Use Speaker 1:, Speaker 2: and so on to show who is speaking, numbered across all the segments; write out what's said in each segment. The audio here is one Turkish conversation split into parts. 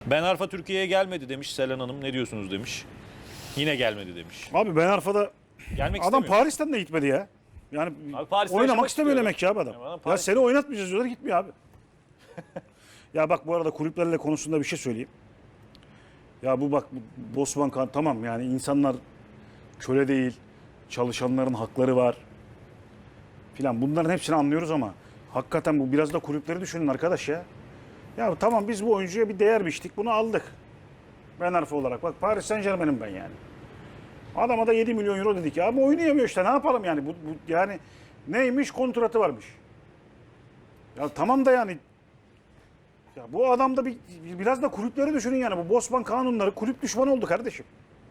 Speaker 1: Ben Arfa Türkiye'ye gelmedi demiş Selen Hanım. Ne diyorsunuz demiş. Yine gelmedi demiş.
Speaker 2: Abi Ben Arfa'da
Speaker 1: Gelmek
Speaker 2: adam
Speaker 1: istemiyor.
Speaker 2: Paris'ten de gitmedi ya. Yani
Speaker 1: Abi Paris'te
Speaker 2: oynamak
Speaker 1: yaşamak
Speaker 2: istemiyor
Speaker 1: istiyorum.
Speaker 2: demek ki abi adam.
Speaker 1: Ya adam
Speaker 2: Ya
Speaker 1: Paris-
Speaker 2: seni oynatmayacağız diyorlar, gitmiyor abi. Ya bak, bu arada kulüplerle konusunda bir şey söyleyeyim. Ya bu bak, bu Bosman Kan tamam, yani insanlar köle değil, çalışanların hakları var filan, bunların hepsini anlıyoruz ama hakikaten bu biraz da kulüpleri düşünün arkadaş ya. Ya tamam, biz bu oyuncuya bir değer biçtik, bunu aldık. Ben Arfa olarak bak, Paris Saint-Germain'im ben yani. Adama da 7 milyon euro dedik ya, ama oynayamıyor işte, ne yapalım yani, bu yani neymiş, kontratı varmış. Ya tamam da yani, ya bu adam da biraz da kulüpleri düşünün yani, bu Bosman kanunları kulüp düşmanı oldu kardeşim.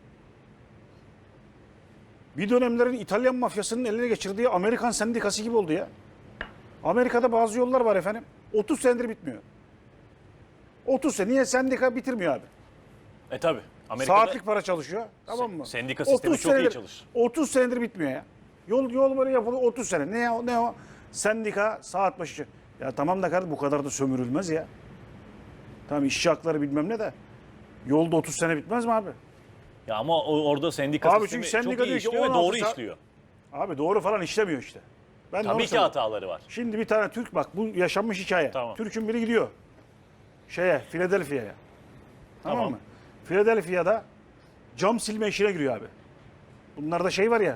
Speaker 2: Bir dönemlerin İtalyan mafyasının eline geçirdiği Amerikan sendikası gibi oldu ya. Amerika'da bazı yollar var efendim, 30 senedir bitmiyor. 30 sene, niye sendika bitirmiyor abi?
Speaker 1: Tabi. Amerika'da
Speaker 2: Saatlik para çalışıyor, tamam mı?
Speaker 1: sendika sistemi
Speaker 2: 30
Speaker 1: çok iyi
Speaker 2: senedir-
Speaker 1: çalışır.
Speaker 2: 30 senedir bitmiyor ya. Yol böyle yapılıyor 30 sene. Ne o? Sendika saat başı. Ya tamam da kardeşim, bu kadar da sömürülmez ya. Tamam, işçi hakları bilmem ne de. Yolda 30 sene bitmez mi abi?
Speaker 1: Ya ama orada sendika
Speaker 2: Abi
Speaker 1: sistemi
Speaker 2: çünkü sendika
Speaker 1: çok iyi
Speaker 2: diyor ki
Speaker 1: işliyor ve
Speaker 2: 16
Speaker 1: doğru
Speaker 2: saat-
Speaker 1: işliyor.
Speaker 2: Abi doğru falan işlemiyor işte. Ben de onu
Speaker 1: Tabii ki
Speaker 2: söylüyorum.
Speaker 1: hataları var.
Speaker 2: Şimdi bir tane Türk, bak bu yaşanmış hikaye.
Speaker 1: Tamam.
Speaker 2: Türk'ün biri gidiyor Philadelphia'ya. Tamam mı? Philadelphia'da cam silme işine giriyor abi. Bunlarda şey var ya,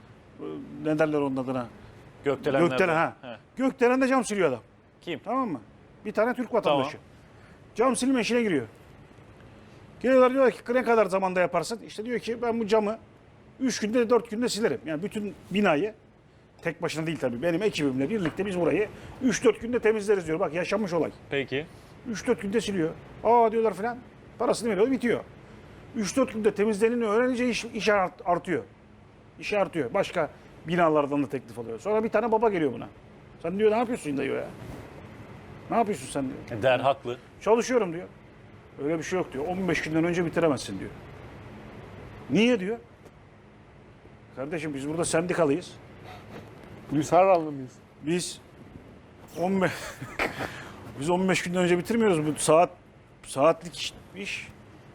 Speaker 2: ne derler onun adına?
Speaker 1: Gökdelenler.
Speaker 2: Gökdelen, ha.
Speaker 1: He.
Speaker 2: Gökdelen'de cam siliyor adam.
Speaker 1: Kim?
Speaker 2: Tamam mı? Bir tane Türk vatandaşı.
Speaker 1: Tamam.
Speaker 2: Cam silme işine giriyor. Geliyorlar, diyorlar ki ne kadar zamanda yaparsın? İşte diyor ki ben bu camı 3 günde 4 günde silerim. Yani bütün binayı, tek başına değil tabii, benim ekibimle birlikte biz burayı 3-4 günde temizleriz diyor. Bak, yaşanmış olay.
Speaker 1: Peki.
Speaker 2: 3-4 günde siliyor. Aa diyorlar filan. Parasını veriyor, bitiyor. 3-4 günde temizlenini öğrenince iş artıyor. İş artıyor. Başka binalardan da teklif alıyor. Sonra bir tane baba geliyor buna. Sen diyor ne yapıyorsun diyor ya. Ne yapıyorsun sen diyor.
Speaker 1: Der haklı.
Speaker 2: Çalışıyorum diyor. Öyle bir şey yok diyor. 15 günden önce bitiremezsin diyor. Niye diyor. Kardeşim biz burada sendikalıyız.
Speaker 3: Gülsarranlı mıyız?
Speaker 2: Biz 15 biz 15 günden önce bitirmiyoruz. Bu saatlik iş.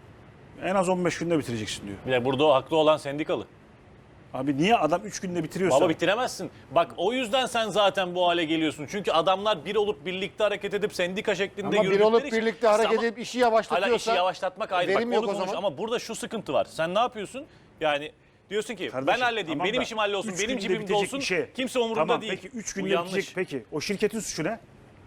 Speaker 2: En az 15 günde bitireceksin diyor.
Speaker 1: Bir de burada o haklı olan sendikalı.
Speaker 2: Abi niye adam 3 günde bitiriyorsa?
Speaker 1: Baba bitiremezsin. Bak o yüzden sen zaten bu hale geliyorsun. Çünkü adamlar bir olup birlikte hareket edip sendika şeklinde
Speaker 3: Ama bir
Speaker 1: yürüdükleri
Speaker 3: olup
Speaker 1: için-
Speaker 3: birlikte hareket
Speaker 1: Ama-
Speaker 3: edip işi
Speaker 1: Hala
Speaker 3: yavaşlatıyorsa
Speaker 1: işi yavaşlatmak ayrı. Bak
Speaker 3: verim
Speaker 1: onu
Speaker 3: yok o
Speaker 1: konuş.
Speaker 3: zaman.
Speaker 1: Ama burada şu sıkıntı var. Sen ne yapıyorsun? Yani diyorsun ki ben
Speaker 2: Kardeşim,
Speaker 1: halledeyim,
Speaker 2: tamam
Speaker 1: benim
Speaker 2: da
Speaker 1: işim hallolsun,
Speaker 2: 3
Speaker 1: benim
Speaker 2: günde
Speaker 1: cebimde
Speaker 2: bitecek
Speaker 1: olsun.
Speaker 2: işe-
Speaker 1: Kimse umurunda
Speaker 2: tamam,
Speaker 1: değil.
Speaker 2: Peki 3
Speaker 1: Bu
Speaker 2: günde
Speaker 1: yanlış.
Speaker 2: bitecek, peki o şirketin suçu ne?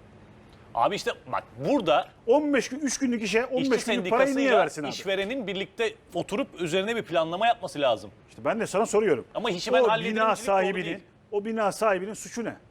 Speaker 1: Abi işte bak burada
Speaker 2: 15 gün 3 günlük işe 15
Speaker 1: işçi
Speaker 2: günlük parayı niye
Speaker 1: sendikasıyla
Speaker 2: versin abi?
Speaker 1: işverenin birlikte oturup üzerine bir planlama yapması lazım.
Speaker 2: İşte ben de sana soruyorum.
Speaker 1: Ama işi ben
Speaker 2: o
Speaker 1: hallederim
Speaker 2: bina
Speaker 1: demek doğru
Speaker 2: sahibinin,
Speaker 1: değil.
Speaker 2: o bina sahibinin suçu ne?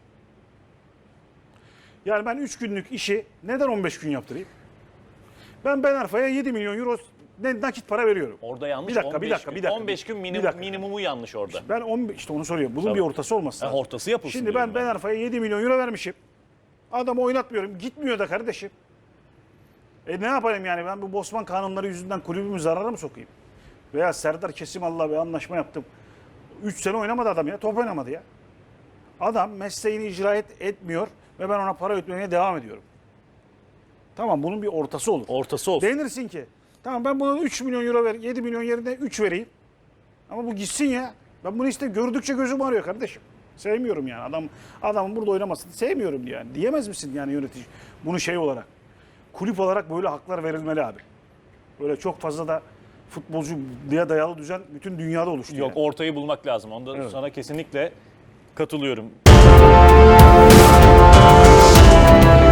Speaker 2: Yani ben 3 günlük işi neden 15 gün yaptırayım? Ben Arfa'ya 7 milyon euro nakit para veriyorum.
Speaker 1: Orada yanlış.
Speaker 2: Bir dakika,
Speaker 1: 15
Speaker 2: bir dakika,
Speaker 1: gün.
Speaker 2: bir dakika.
Speaker 1: 15 gün
Speaker 2: Bir dakika.
Speaker 1: minimumu yanlış orada.
Speaker 2: Ben 15, işte onu soruyorum. Bunun
Speaker 1: Tabii.
Speaker 2: bir ortası olması lazım.
Speaker 1: Ortası yapılsın
Speaker 2: Şimdi
Speaker 1: diyorum
Speaker 2: ben Arfa'ya 7 milyon euro vermişim. Adamı oynatmıyorum. Gitmiyor da kardeşim. Ne yapayım yani, ben bu Bosman kanunları yüzünden kulübümü zarara mı sokayım? Veya Serdar Kesimal'la bir anlaşma yaptım. 3 sene oynamadı adam ya. Top oynamadı ya. Adam mesleğini icra etmiyor ve ben ona para ödemeye devam ediyorum. Tamam, bunun bir ortası olur.
Speaker 1: Ortası olsun.
Speaker 2: Denirsin ki tamam, ben buna 3 milyon euro ver, 7 milyon yerine 3 vereyim. Ama bu gitsin ya. Ben bunu işte gördükçe gözüm ağrıyor kardeşim. Sevmiyorum yani. Adamın burada oynamasını sevmiyorum yani. Diyemez misin yani yönetici? Bunu şey olarak, kulüp olarak böyle haklar verilmeli abi. Böyle çok fazla da futbolcu diye dayalı düzen bütün dünyada oluştu.
Speaker 1: Yok,
Speaker 2: yani.
Speaker 1: ortayı bulmak lazım. Onda
Speaker 2: Evet.
Speaker 1: sana kesinlikle katılıyorum.